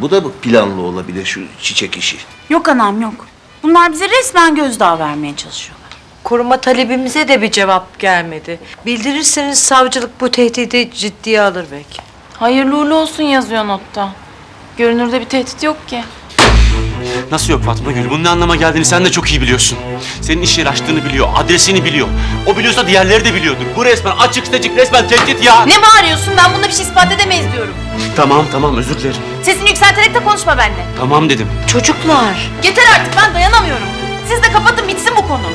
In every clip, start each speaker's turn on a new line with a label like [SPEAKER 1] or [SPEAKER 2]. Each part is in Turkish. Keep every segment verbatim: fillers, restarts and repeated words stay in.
[SPEAKER 1] Bu da mı planlı olabilir şu çiçek işi?
[SPEAKER 2] Yok anam yok. Bunlar bize resmen gözdağı vermeye çalışıyorlar.
[SPEAKER 3] Koruma talebimize de bir cevap gelmedi. Bildirirseniz savcılık bu tehdidi ciddiye alır belki.
[SPEAKER 4] Hayırlı uğurlu olsun yazıyor notta. Görünürde bir tehdit yok ki.
[SPEAKER 5] Nasıl yok Fatma Gül? Bunun ne anlama geldiğini sen de çok iyi biliyorsun. Senin iş yeri açtığını biliyor, adresini biliyor. O biliyorsa diğerleri de biliyordur. Bu resmen açık seçik, resmen tehdit ya.
[SPEAKER 4] Ne bağırıyorsun? Ben bunda bir şey ispat edemeyiz diyorum.
[SPEAKER 5] Tamam tamam, özür dilerim.
[SPEAKER 4] Sesini yükselterek de konuşma benimle.
[SPEAKER 5] Tamam dedim.
[SPEAKER 3] Çocuklar.
[SPEAKER 4] Yeter artık, ben dayanamıyorum. Siz de kapatın bitsin bu konu.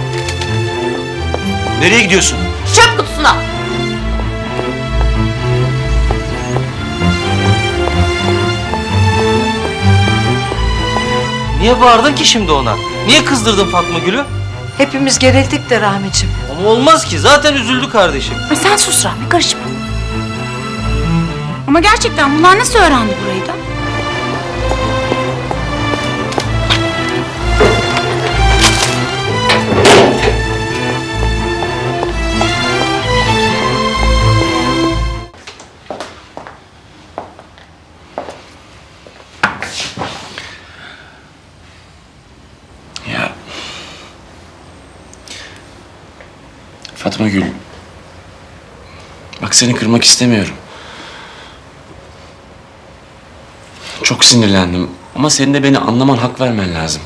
[SPEAKER 5] Nereye gidiyorsun?
[SPEAKER 4] Çöp kutusuna.
[SPEAKER 6] Niye bağırdın ki şimdi ona? Niye kızdırdın Fatma Gül'ü?
[SPEAKER 3] Hepimiz gerildik de Rahmicim.
[SPEAKER 6] Ama olmaz ki, zaten üzüldü kardeşim.
[SPEAKER 2] Ay sen sus Rahmi, karışma. Ama gerçekten bunlar nasıl öğrendi burayı da?
[SPEAKER 5] Ya. Fatma Gül. Bak seni kırmak istemiyorum. Çok sinirlendim ama senin de beni anlaman, hak vermen lazım.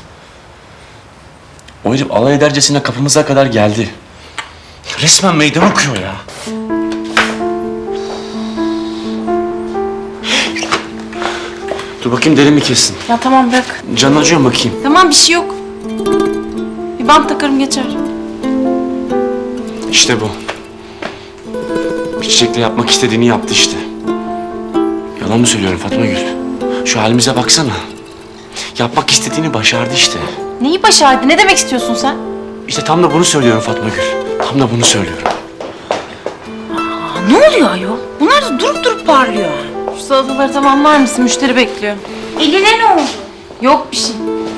[SPEAKER 5] O herif alay edercesine kapımıza kadar geldi. Resmen meydan okuyor ya. Dur bakayım, derin mi kessin?
[SPEAKER 4] Ya tamam bırak.
[SPEAKER 5] Canın acıyor mu bakayım?
[SPEAKER 4] Tamam bir şey yok. Bir bant takarım geçer.
[SPEAKER 5] İşte bu. Bir çiçekle yapmak istediğini yaptı işte. Yalan mı söylüyorum Fatma Gül? Şu halimize baksana. Yapmak istediğini başardı işte.
[SPEAKER 4] Neyi başardı? Ne demek istiyorsun sen?
[SPEAKER 5] İşte tam da bunu söylüyorum Fatma Gül. Tam da bunu söylüyorum.
[SPEAKER 2] Aa, ne oluyor ayol? Bunlar da durup durup parlıyor.
[SPEAKER 4] Şu salataları tamamlar mısın? Müşteri bekliyor.
[SPEAKER 2] Eline ne oldu?
[SPEAKER 4] Yok bir şey.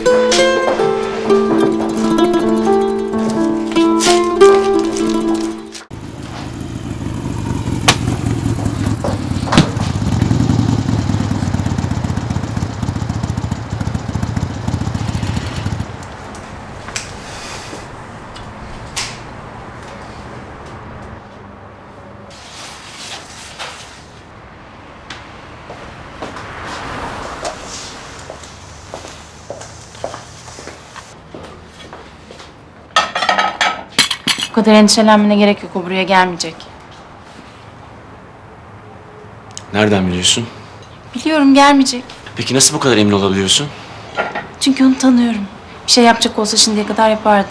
[SPEAKER 4] Bu kadar endişelenmene gerek yok. O buraya gelmeyecek.
[SPEAKER 5] Nereden biliyorsun?
[SPEAKER 4] Biliyorum gelmeyecek.
[SPEAKER 5] Peki nasıl bu kadar emin olabiliyorsun?
[SPEAKER 4] Çünkü onu tanıyorum. Bir şey yapacak olsa şimdiye kadar yapardı.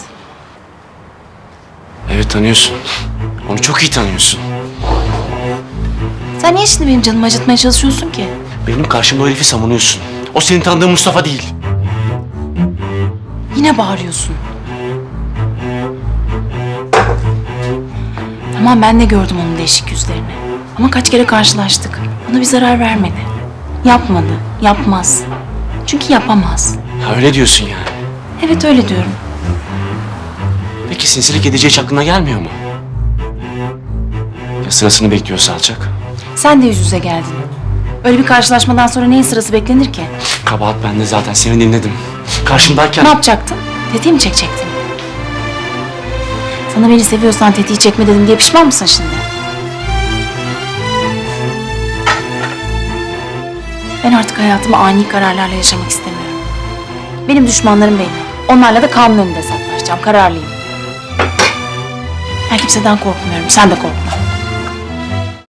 [SPEAKER 5] Evet, tanıyorsun. Onu çok iyi tanıyorsun.
[SPEAKER 4] Sen niye şimdi benim canımı acıtmaya çalışıyorsun ki?
[SPEAKER 5] Benim karşımda o herifi savunuyorsun. O senin tanıdığın Mustafa değil.
[SPEAKER 4] Yine bağırıyorsun. Tamam ben de gördüm onun değişik yüzlerini. Ama kaç kere karşılaştık. Bana bir zarar vermedi. Yapmadı, yapmaz. Çünkü yapamaz.
[SPEAKER 5] Ha, öyle diyorsun yani.
[SPEAKER 4] Evet öyle diyorum.
[SPEAKER 5] Peki sinsilik edeceği hiç aklına gelmiyor mu? Ya sırasını bekliyorsa alacak?
[SPEAKER 4] Sen de yüz yüze geldin. Öyle bir karşılaşmadan sonra neyin sırası beklenir ki?
[SPEAKER 5] Kabahat bende zaten, seni dinledim. Karşımdayken...
[SPEAKER 4] Ne yapacaktın? Tetiği mi çekecektin? Sana beni seviyorsan tetiği çekme dedim diye pişman mısın şimdi? Ben artık hayatımı ani kararlarla yaşamak istemiyorum. Benim düşmanlarım benim. Onlarla da kanun önünde hesaplaşacağım. Kararlıyım. Ben kimseden korkmuyorum. Sen de korkma.